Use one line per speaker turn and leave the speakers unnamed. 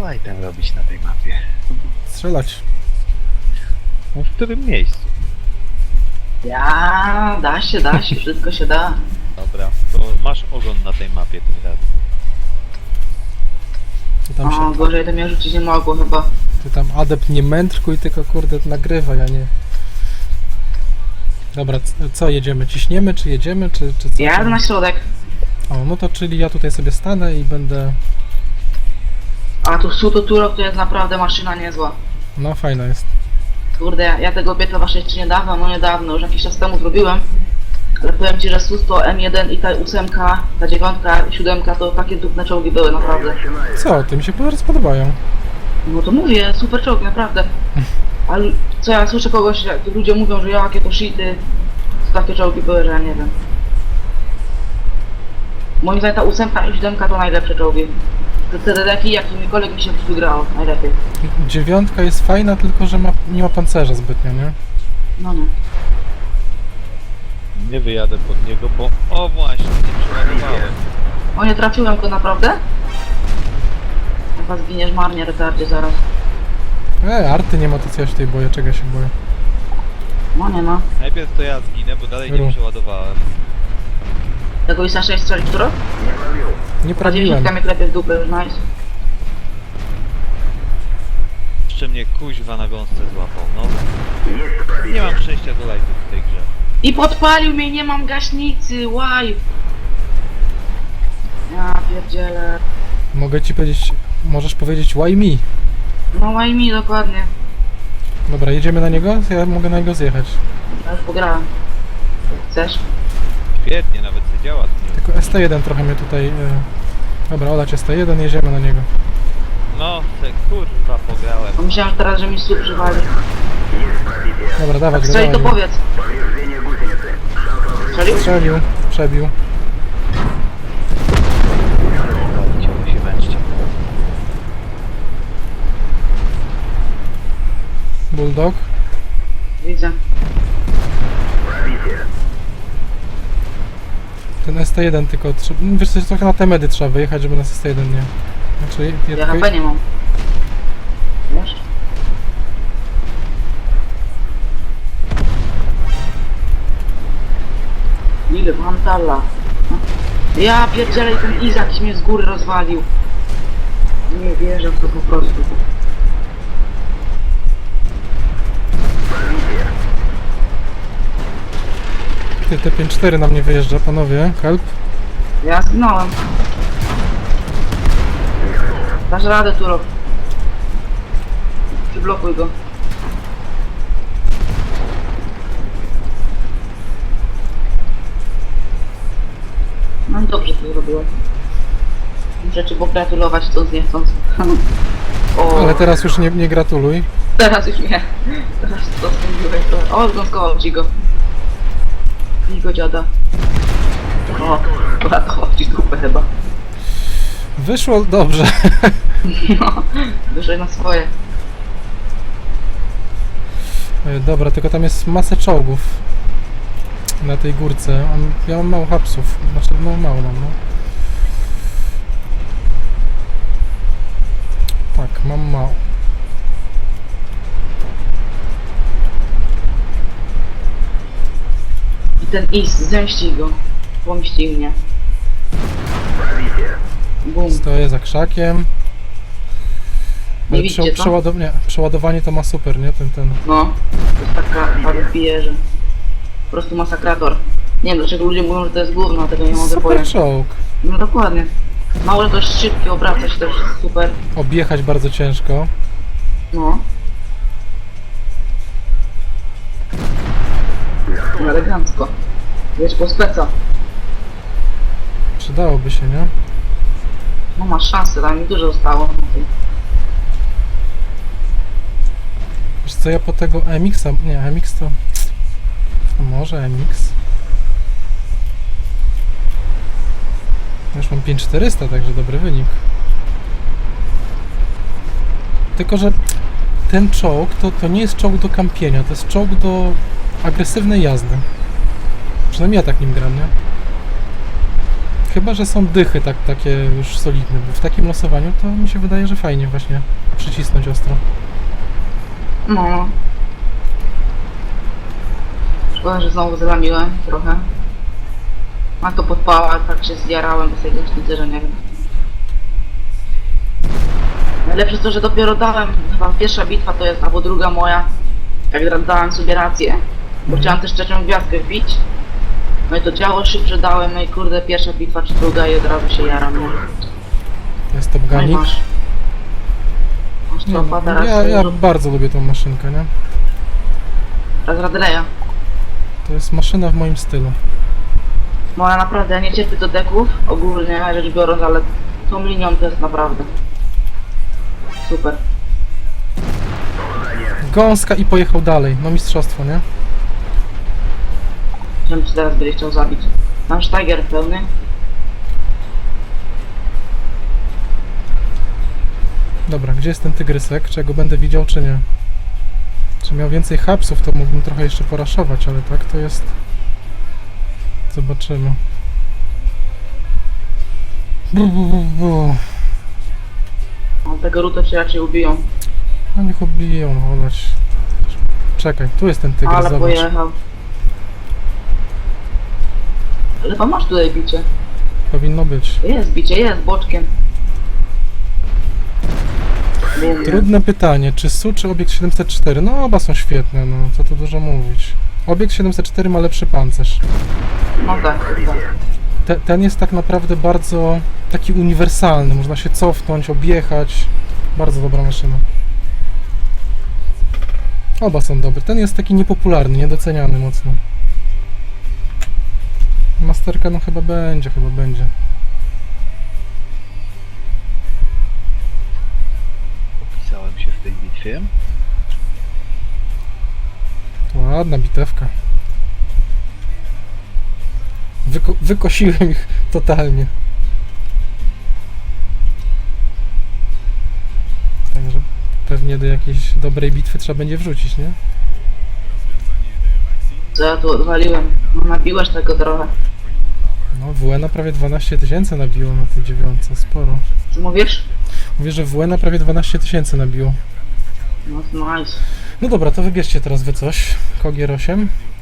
Co item robić na tej mapie?
Strzelać.
No w którym miejscu?
Ja, da się, wszystko się da.
Dobra, to masz ogon na tej mapie tym razem.
Ty tam,
O, gorzej to mnie rzucić nie mogło chyba.
ty tam adept nie mędrkuj, tylko kurde nagrywaj, a nie... Dobra, co jedziemy? Ciśniemy, czy jedziemy, czy co?
Ja jadę na środek.
O, no to czyli ja tutaj sobie stanę i będę...
A tu Suto Turok to jest naprawdę maszyna niezła.
No fajna jest.
Kurde, ja tego biegła właśnie jeszcze niedawno, no niedawno, już jakiś czas temu zrobiłem. Ale powiem ci, że Susto, M1 i ta 8, ta 9 i 7 to takie dupne czołgi były naprawdę.
Co? Ty mi się bardzo podobają.
No to mówię, super czołg, naprawdę. Ale co ja słyszę kogoś, jak ludzie mówią, że jakie to shity, to takie czołgi były, że ja nie wiem. Moim zdaniem ta 8 i 7 to najlepsze czołgi. Te dedeki, jakimikolwiek mi się wygrało, najlepiej.
9 jest fajna, tylko że nie ma pancerza zbytnio, nie?
No nie.
Nie wyjadę pod niego, bo... O właśnie, nie przeładowałem.
O, nie trafiłem go naprawdę? Chyba zginiesz marnie, retardzie, zaraz.
Arty nie ma, to co ja się tutaj boję, czego ja się boję?
No nie ma.
Najpierw to ja zginę, bo dalej
Ru.
nie przeładowałem.
Tego ISA 6 strzelić, którą?
Nie
Ta
prawiłem.
10 mnie klepie w dupę, już nice.
Jeszcze mnie kuźwa na gąsce złapał, no. Nie mam przejścia do lajtu w tej grze.
I podpalił mnie, nie mam gaśnicy, why? Ja pierdzielę.
Mogę ci powiedzieć, możesz powiedzieć why me.
No why mi dokładnie.
Dobra, jedziemy na niego? Ja mogę na niego zjechać.
Ja już pograłem. Chcesz?
Świetnie, nawet to działa.
Tylko ST1 trochę mnie tutaj... Dobra, olać ST1, jedziemy na niego.
No, te kurwa pograłem.
Bo myślałem że teraz, że mi słup przywali.
Dobra, dawać go,
Strzeli to
dawać go.
powiedz. Strzelił?
Strzelił, przebił.
Walcie, musi męczcie.
Bulldog.
Widzę.
Ten ST1 tylko... Wiesz co, trochę na te medy trzeba wyjechać, żeby nas ST1 nie... Znaczy,
Ja HP nie mam. Wiesz? Ile Mantala. Ja pierdzielę i ten Izak mnie z góry rozwalił. Nie wierzę w to po prostu.
Ty, T54 na mnie wyjeżdża, panowie. Help.
Ja zginąłem. Dasz radę, Turok. Przyblokuj go. No i dobrze to zrobiłem. Muszę ci pogratulować to niechcąc. O,
Ale teraz już nie gratuluj.
teraz już nie. Teraz to spędziłeś to. O, zgąskował ci go. I go dziada. O, uratował ci dupę chyba.
Wyszło dobrze.
No, wyżej na swoje.
Dobra, tylko tam jest masę czołgów. Na tej górce. Ja mam mało hapsów. Znaczy, no mało mam, no. Tak, mam mało.
I ten Is, zemścij go. Pomścij mnie. Bum.
Stoję za krzakiem.
Nie widzicie to?
Przeładowanie to ma super, nie? Ten.
No, to jest taka parupije, że po prostu masakrator. Nie wiem dlaczego ludzie mówią, że to jest gówno, tego nie mogę
Super
pojąć.
czołg.
No dokładnie. Mało, że to jest szybki, obraca się też super.
Objechać bardzo ciężko.
No. Elegancko. Wiesz, po speca.
Przydałoby się, nie?
No masz szansę, tam mi dużo zostało.
Wiesz co, ja po tego MX-a... Nie, MX to... A może MX? Już mam 5400, także dobry wynik. Tylko, że ten czołg to nie jest czołg do kampienia, to jest czołg do agresywnej jazdy. Przynajmniej ja tak nim gram, nie? Chyba, że są dychy takie już solidne, bo w takim losowaniu to mi się wydaje, że fajnie właśnie przycisnąć ostro.
No. Szkoda, że znowu zramiłem trochę. A to podpała, tak się zjarałem do tej gaśnicy, że nie wiem. Najlepsze jest to, że dopiero dałem, chyba pierwsza bitwa to jest, albo druga moja, jak dałem sobie rację, bo chciałem też trzecią gwiazdkę wbić. No i to działo szybsze dałem, no i kurde, pierwsza bitwa czy druga i od razu się jaram, nie?
Jest Top
No i
Gunik.
masz. Masz
Nie,
tropa,
no,
teraz
ja bardzo lubię tą maszynkę, nie?
teraz Radleja.
To jest maszyna w moim stylu.
Moja naprawdę, ja nie cierpię do deków, ogólnie rzecz biorąc, ale tą linią to jest naprawdę super.
Gąska i pojechał dalej. No mistrzostwo, nie?
Żebym ci teraz będzie chciał zabić. Mam Steiger pełny.
Dobra, gdzie jest ten tygrysek? Czy ja go będę widział, czy nie? Czy miał więcej hapsów, to mógłbym trochę jeszcze poraszować, ale tak to jest... Zobaczymy.
No, tego rutę się raczej ubiją.
No niech ubiją, no olać. Czekaj, tu jest ten tygrys,
Ale
zobacz.
pojechał. Ale pan masz tutaj bicie.
Powinno być.
Jest bicie, jest boczkiem. Wiem,
Trudne pytanie, czy SU, czy obiekt 704? No oba są świetne, no co tu dużo mówić. Obiekt 704 ma lepszy pancerz.
No tak, tak.
Ten jest tak naprawdę bardzo taki uniwersalny, można się cofnąć, objechać. Bardzo dobra maszyna. Oba są dobre. Ten jest taki niepopularny, niedoceniany mocno. Masterka no chyba będzie.
Pisałem się w tej bitwie.
Ładna bitewka. Wykosiłem ich totalnie. Także pewnie do jakiejś dobrej bitwy trzeba będzie wrzucić, nie?
Co ja tu odwaliłem? No, nabiłeś tego trochę.
No WN prawie 12 000 nabiło na tej dziewiątce, sporo.
Co mówisz?
Mówię, że WN prawie 12 000 nabiło.
No to nice.
No dobra, to wybierzcie teraz wy coś. Kogier 8.